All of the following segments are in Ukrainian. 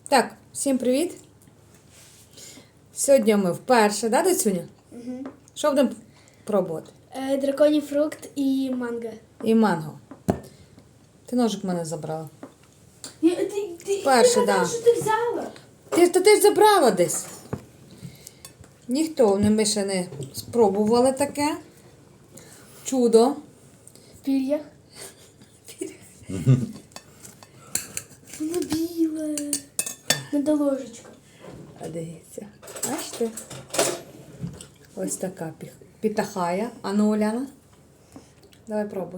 Так, всім привіт. Сьогодні ми вперше, да, Доцюня? Угу. Що будемо пробувати? Драконій фрукт і манго. І манго. Ти ножик в мене забрала. Ти Перше, да. що ти взяла? Ти ж забрала десь. Ніхто ми ще не спробували таке. Чудо. В пір'ях. Воно біле. Надо ложечку. А дивіться. Бачите? Ось така пітахая. А ну, Оляна. Давай пробуй.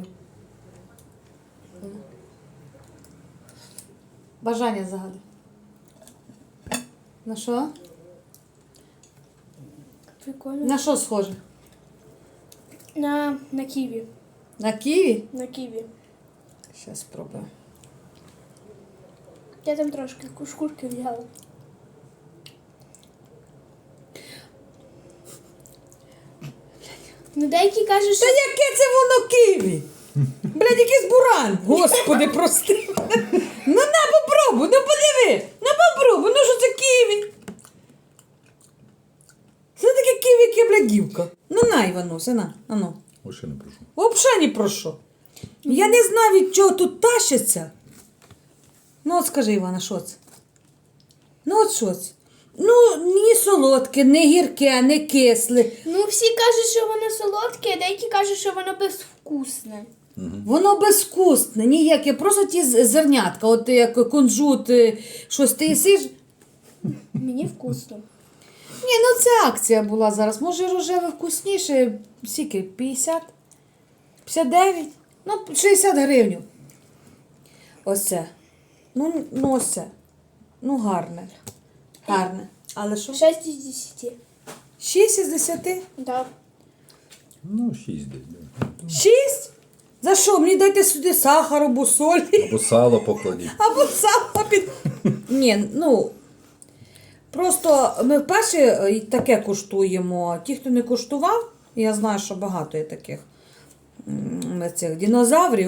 Бажання загадай. На що? Прикольно. На що схоже? На ківі. На ківі? На ківі. Зараз спробую. Я там трошки шкурки взяла. Ну деякі кажуть, Та що... яке це воно ківі? Блядь, якийсь буран. Господи, прости. Ну на попробуй, ну подиви. Ну попробуй, ну що це ківі? Це таке ківі, яке блядівка. Ну на, Івануся, на, ану. Вообще не прошу. Взагалі ні про що. Я не знаю, від чого тут тащиться. Ну от скажи, Івана, що це? Ну от що це? Ну, ні солодке, не гірке, не кисле. Ну всі кажуть, що воно солодке, а деякі кажуть, що воно безвкусне. Воно безвкусне, ніяке, просто ті зернятка, от як кунжут, щось ти їсиш. Мені вкусно. Ні, ну це акція була зараз. Може рожеве вкусніше, скільки, 50? 59? Ну, 60 гривень. Оце. Ну ось це. Ну, гарне. Гарне. Але що? 6 із 10. 6 із 10? Да. Ну, 6 десь. Да. 6? За що? Мені дайте сюди сахар або солі. Або сало покладіть. Або сало під... Ні, ну, просто ми вперше таке куштуємо. Ті, хто не куштував, я знаю, що багато є таких цих динозаврів.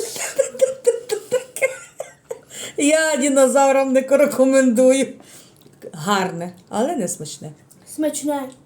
Я динозаврам не рекомендую. Гарне, але не смачне. Смачне.